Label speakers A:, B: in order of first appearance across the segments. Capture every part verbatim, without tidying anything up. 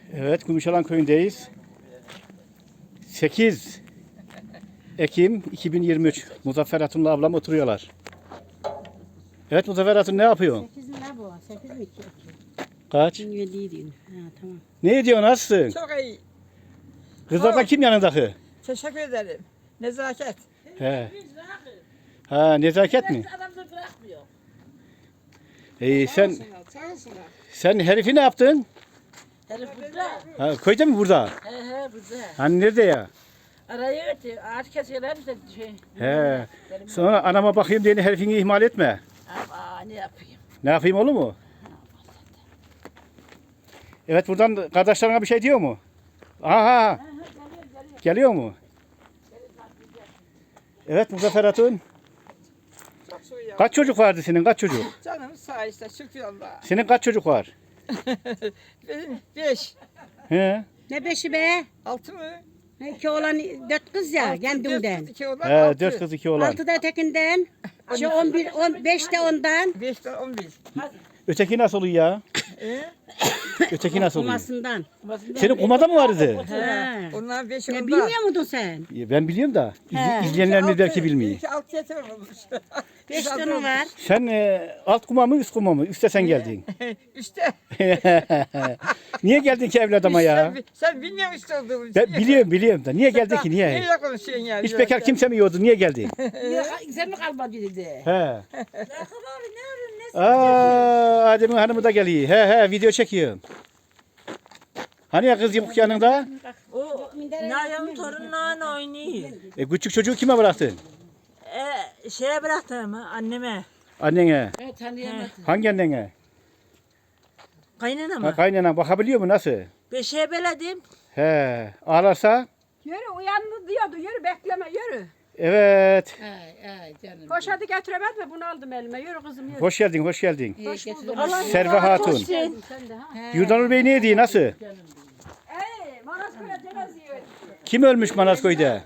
A: Evet, Gümüşalan köyündeyiz. sekiz Ekim iki bin yirmi üç. Muzaffer Hatun'la ablam oturuyorlar. Evet Muzaffer Hatun ne yapıyor?
B: sekiz mi ne bu? sekiz mi iki?
A: Kaç?
B: yedi Ha tamam.
A: Ne ediyorsun, nasılsın?
C: Çok iyi.
A: Kızlardan kim yanındaki?
C: Teşekkür ederim. Nezaket.
A: He. Ha, nezaket mi?
D: Adam da bırakmıyor.
A: İyi, sen sen herifi ne yaptın?
D: Herif burada.
A: Ha, köyde mi burada?
D: He he burada.
A: Hani nerede ya?
D: Arayı ötü. Ağaç kesiyorlar da şey.
A: He. Sonra anama bakayım diye herifini ihmal etme.
D: Ama ne yapayım?
A: Ne yapayım, olur mu? Evet, buradan kardeşlerine bir şey diyor mu? Aha. Geliyor mu? Evet Muzaffer Hatun.
C: Çok suyu.
A: Kaç çocuk vardı senin? Kaç çocuk?
C: Canım sağ işte şükür Allah'a.
A: Senin kaç çocuk var?
C: Benim beş.
A: He.
B: Ne beşi be?
C: Altı mı?
B: İki oğlan dört kız ya
C: Altı,
B: kendimden.
C: Dört kız, iki oğlan,
A: He,
C: altı.
A: dört kız iki oğlan.
B: Altı da ötekinden. Şu on bir, on beş de ondan.
C: Beş de on bir.
A: Öteki nasıl oluyor ya?
C: Ee?
A: Öteki nasıl oluyor?
B: Kumasından.
A: Senin kumada mı vardı?
B: He.
C: Onlar beş
B: Ne
C: ondan.
B: bilmiyor muydun sen?
A: Ben biliyorum da iz-
B: He.
A: izleyenlerimiz
C: Altı-
A: belki bilmiyor.
C: İki altı yeter olmuş.
B: Beş tane var.
A: Sen e, alt kuma mı üst kuma mı? Üste sen geldin.
C: Üste.
A: Niye geldin ki evladıma ya?
C: Sen, sen bilmiyor musun üstte olduğumu?
A: Ben biliyorum biliyorum da. Niye geldin ki, niye?
C: Neyle konuşuyorsun yani?
A: Hiç bekar kimse mi yiyordu? Niye geldin?
D: Sen mi kalmadı dedi.
A: He. Aa, Adem'in hanımı da geliyor. He he, video çekiyorum. Hani ya kız yok yanında?
D: O Nayan'ın torunlarla oynuyor.
A: E, küçük çocuğu kime bıraktın?
D: E, şeye bıraktım anneme.
A: Annene.
D: Evet tanıyamadım.
A: Hangi annene?
D: Kaynana
A: Ha,
D: mı?
A: kaynana bakabiliyor mu, nasıl?
D: Beşe beledim.
A: He. Ağlarsa?
E: Yürü uyandı diyordu. Yürü bekleme yürü.
A: Evet.
D: Ay ay canım.
E: Koş hadi getiremez mi? Bunu aldım elime. Yürü kızım yürü.
A: Hoş geldin, hoş geldin.
E: Hoş bulduk.
A: Serve Hatun.
E: Sen de ha.
A: Yurdanur Bey ne diyor, nasıl?
E: Ey Manastır'a cenaze.
A: Kim ölmüş Manazköy'de?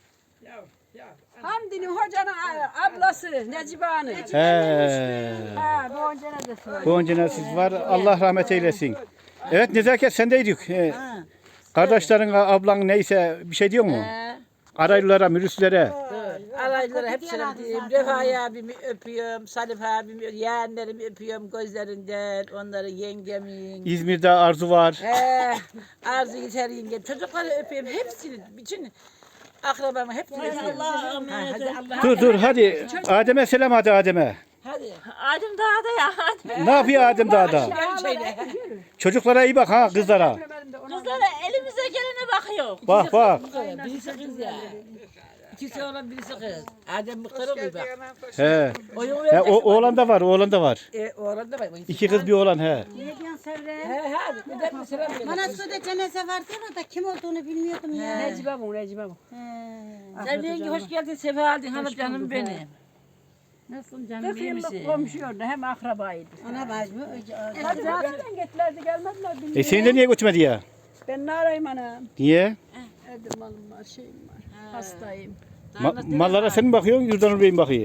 E: Hamdi'nin hocanın a- ablası Necibe Hanım.
A: He.
E: Ha bu onun cenazesi var.
A: Bu önceniz var. Allah rahmet eylesin. Evet Nezaket, sendeydik. He. Kardeşlerin, ablan neyse bir şey diyor mu? Araylılara, mürüslere.
D: Alaylara hepsine diyeyim. Refai abimi öpüyorum. Salih abimi, yeğenlerimi öpüyorum gözlerinden. Onları yengemin.
A: İzmir'de Arzu var.
D: He, Arzu yeter yengem. Çocukları öpüyorum. Hepsini, bütün akrabamı hepsini öpüyorum. Allah'a emanet ol.
A: Dur dur hadi. Adem'e selam, hadi Adem'e.
D: Hadi. Adem dağda ya. Hadi.
A: Ne yapıyor Adem dağda?
D: Gel şöyle.
A: Çocuklara iyi bak ha, kızlara.
D: Kızlara elimize gelene bakıyor.
A: Bak bak.
D: Birisi kız ya. İkisi oğlan birisi kız. Adem mıkır oluyor bak.
A: He.
D: Oyun
A: He,
D: verecek.
A: o, oğlan da var, oğlan da var.
D: E, oğlan da var.
A: İki kız bir oğlan he.
B: Ne diyorsun Serre?
D: He hadi. Bir de bir selam verin.
B: Manastır'da cenaze vardı da kim olduğunu bilmiyordum ya.
E: Necibe bu Necibe bu.
B: He.
D: Sen yenge hoş geldin. Sefa aldın. Hanım canım benim.
B: Nasılsın canım?
E: Kırk
D: iyi
E: yıllık
D: misin?
E: komşuydu hem akrabaydı.
B: Ana bacımı.
E: Hadi zaten gittilerdi gelmediler bilmiyorum.
A: E seni de niye götürmedi ya?
E: Ben ne arayayım anam?
A: Niye?
E: Evde malım var şeyim var. Hastayım.
A: Ma- mallara sen mi bakıyorsun, Yurdanur Bey mi bakıyor?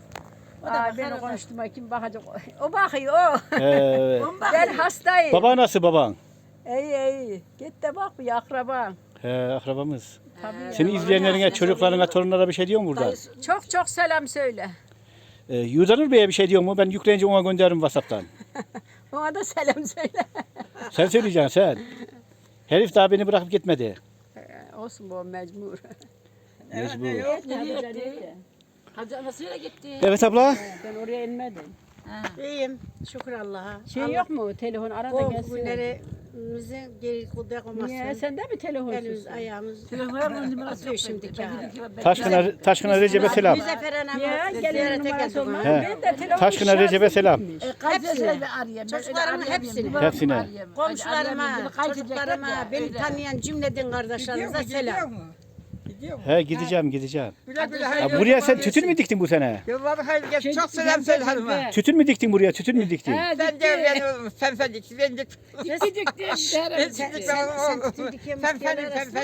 E: Aa, beni konuşturma kim bakacak? O bakıyor o.
A: He.
E: Ben hastayım.
A: Baba nasıl, baban?
E: İyi iyi. Git de bak bir akraban.
A: He, akrabamız.
E: Tabii.
A: Senin izleyenlerine, çocuklarına, torunlara bir şey diyor mu burada?
E: Çok çok selam söyle.
A: Ee, Yurdanur Bey'e bir şey diyor mu? Ben yükleyince ona gönderirim WhatsApp'tan.
E: Ona da selam söyle.
A: Sen söyleyeceksin sen. Herif daha beni bırakıp gitmedi.
E: Ee, Olsun bu mecbur.
A: Mecbur.
D: Nereye gitti? Hacı anasıyla gitti.
A: Evet abla.
E: Ben oraya inmedim.
B: İyiyim. Şükür Allah'a.
E: Şey yok mu? Telefon arada
B: O
E: gelsin.
B: günlerimize geri kudak olmasın.
E: Niye? Sende mi telefonsuz?
B: Elimiz ayağımız.
D: Telefonun numarası yok
B: Şimdiki
D: şimdi.
A: Taşkına, Taşkına Recep'e selam.
B: Müzeffer anamı
E: Ya gelin
B: ziyarete
E: numarası
B: geldim.
E: olmaz.
A: He.
E: Ben de telefon
A: Taşkına Recep'e selam.
D: Hepsine.
B: Çocuklarımın hepsine.
A: Hepsine.
B: Komşularıma, çocuklarıma, beni tanıyan cümleden kardeşlerinize selam.
C: Gidiyor mu?
A: He, gideceğim gideceğim.
C: Güle güle
A: Ha,
C: hayırlı.
A: buraya sen tütün mü diktin bu sene?
C: Yılları hayırlı gelsin. Çok selam söyle hanıma.
A: Tütün mü diktin buraya? Tütün mü diktin?
C: Ben de ben oğlum fenfenik. Ben de
D: Nesi dikti?
C: ben çıktık ben oğlum. Fenfenin fenfenin.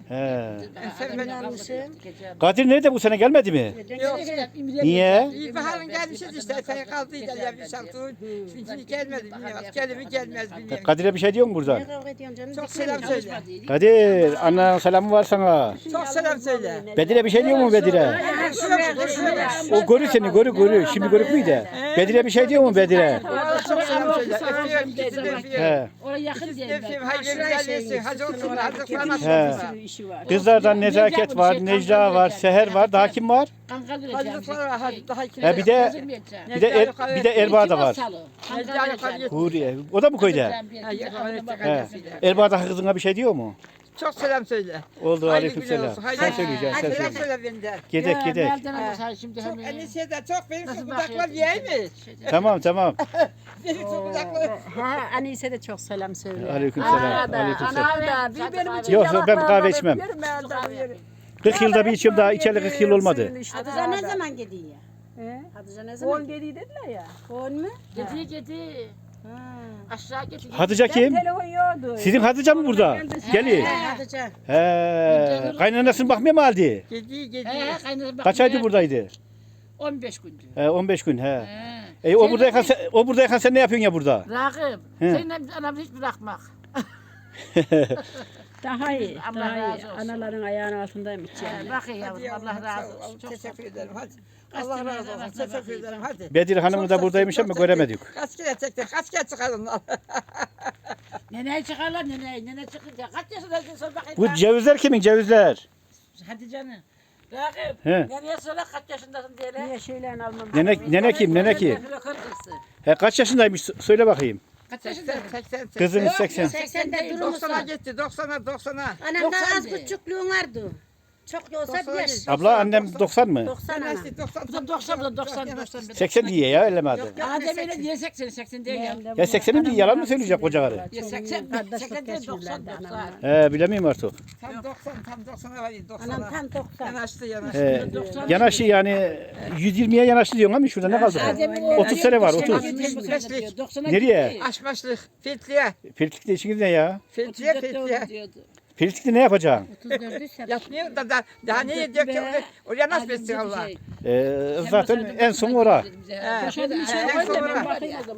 A: He.
C: Sevmedim.
A: Kadir nerede bu sene gelmedi mi?
C: Yok.
A: Niye?
C: İlkbaharın gelmişiz işte. Sen kaldıydı ya bir şartı. Şimdi gelmedi bilmiyorum. Gelir mi gelmez bilmiyorum.
A: Kadir'e bir şey diyor mu buradan?
B: Ne kavga ediyorsun canım?
C: Çok selam söyle.
A: Kadir, annenin selamı var sana.
C: Çok selam söyle.
A: Bedir'e bir şey diyor mu Bedir'e? O görü seni, görü görü. Şimdi görük müydü? Bedir'e bir şey diyor mu Bedir'e?
C: Çok selam söyle. Öpüyorum. İkisini de öpüyorum.
A: He.
E: Oraya yakın
C: İkisini de
E: değil.
C: öpüyorum. Hayırlı güzellesin. Hacı olsunlar. Hacı falan
A: He.
C: olsunlar.
E: İşi var.
A: Kızlardan Nezaket var, Necla var, Seher var. Daha kim var?
E: Kanka
C: Hacı
E: vereceğim.
C: var. Hacı daha iki.
A: He bir de bir de er, bir de Erbaa da var.
C: Necla yukarı gitti.
A: Huriye. O da mı köyde?
C: Ha, yukarı gitti.
A: He. Erbağ'da kızına bir şey diyor mu?
C: Çok selam söyle.
A: Oldu,
C: Hayırlı
A: aleykümselam.
C: günler olsun. Hayırlı
A: Sen
C: günler.
A: söyleyeceksin, sen
C: Hadi selam
A: söyleyeceksin.
C: söyle benden.
A: Gedek gedek.
E: Şimdi
C: Çok
E: hemen.
C: enişte de çok benim
E: Nasıl
C: şu budaklar
E: bakıyorsun?
C: yiyeyim mi?
A: Tamam tamam.
C: Benim şu budaklar.
B: Ha, Anise de çok selam söylüyor.
A: Aleykümselam. Aleykümselam.
E: Ana da bir benim için
A: Yok yok ben kahve içmem.
E: yerim ben de.
A: kırk yılda bir içiyorum daha içeli kırk yıl olmadı.
B: Hatice ne zaman gidiyor ya?
E: He?
B: Hatice ne zaman
E: On dedi dediler ya.
B: On mu?
E: Gedi gedi. Aşağı gedi.
A: Hatice kim?
E: Telefon yoktu.
A: Sizin Hatice mi burada? Geli.
B: He, Hatice.
A: He. Kaynanasını bakmıyor mu halde?
C: Gedi gedi.
E: He, kaynana bak-
A: Kaç aydır buradaydı?
E: on beş gündü.
A: He, on beş gün he.
E: He.
A: E o buradayken sen, o buradayken sen ne yapıyorsun ya burada?
E: Rakım.
A: He.
E: Seninle anamı hiç bırakmak.
B: Daha iyi.
E: Allah
B: Daha iyi.
E: razı olsun.
B: Anaların ayağının altındaymış
E: He,
B: yani.
E: Bak ya yavrum,
C: Hadi yavrum,
E: Allah
C: sağ
E: razı
C: ol.
E: olsun. Çok
C: Teşekkür ederim. Hadi.
E: Kaç
C: Allah
E: kere
C: razı olsun.
E: baksana
C: Teşekkür
E: bakayım.
C: ederim. Hadi.
A: Bedir Hanım'ı da
C: Çok
A: buradaymış
C: çok
A: ama
C: teşekkür-
A: göremedik.
C: Kaç kere çektik? Kaç kere çıkar onlar?
E: Nene çıkarlar nene. Nene çıkınca kaç yaşındaydın sen bakayım.
A: Bu cevizler kimin cevizler?
E: Hadi canım. Rakım.
A: He.
E: Nereye söyle kaç yaşındasın diye.
B: Niye şeylerini almam?
A: Nene, nene kim nene kim? He, kaç yaşındaymış söyle bakayım.
E: Kaç
C: seksen,
E: yaşındasın?
C: seksen, seksen.
A: Kızınız seksen.
B: seksende durur
C: doksana
B: musun?
C: gitti. doksana, doksana.
B: Anam da az
E: doksan
B: küçüklüğün vardı. Çok yoksa
C: Doksan
B: beş.
C: yedi.
A: Abla annem doksan mı?
B: Doksan ana.
C: Nasıl doksan?
E: Bu da doksan, bu da doksan, doksan.
A: seksen diye ya ellemedi.
E: Adem öyle diye seksen, seksen değil ya.
A: Ya seksenin diye yalan mı söyleyecek koca karı?
E: Ya seksen, seksen değil doksan, doksan.
A: He bilemiyorum artık.
C: Tam doksan, tam doksana var.
B: Anam
C: doksana.
B: tam doksan.
C: Yanaştı, yanaştı.
A: He, yanaşı yani yüz yirmiye yanaştı diyorsun ama şurada ne kaldı? otuz sene var otuz. Nereye?
C: Aşmaşlık. Filtliye.
A: Pirtik'te işiniz ne ya?
C: Filtliye, filtliye.
A: Pirtik'te ne yapacaksın?
C: Yatmıyor da, da daha ne yediyor ki? Oraya- Oraya nasıl besliyor Allah?
A: Ee, zaten en son ora.
C: He, en son oraya.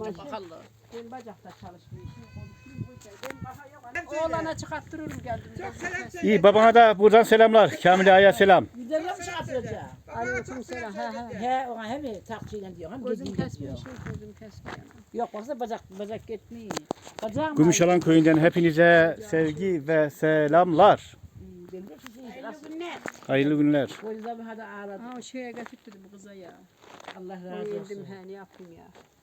B: Oğlana çıkarttırırım geldim.
C: Çok selam söyle.
A: İyi babana da buradan selamlar. Kamil Ağa'ya selam.
E: Gidelim mi çıkartacağım?
B: Aleyküm selam. Ha ha.
E: He, ona hem takçıyla diyor, hem
B: Gözüm
E: gözüm
B: kesmiyor.
E: diyor.
B: Gözüm kesmiyor.
E: Yok baksana bacak, bacak gitmiyor. Bacağım
A: Gümüşalan köyünden hepinize sevgi ve selamlar. Hayırlı günler.
E: O yüzden bir hadi ağladım.
B: Ha o şeye getirttirdim bu kıza ya.
E: Allah razı
B: Yedim
E: olsun.
B: he ne yapayım ya.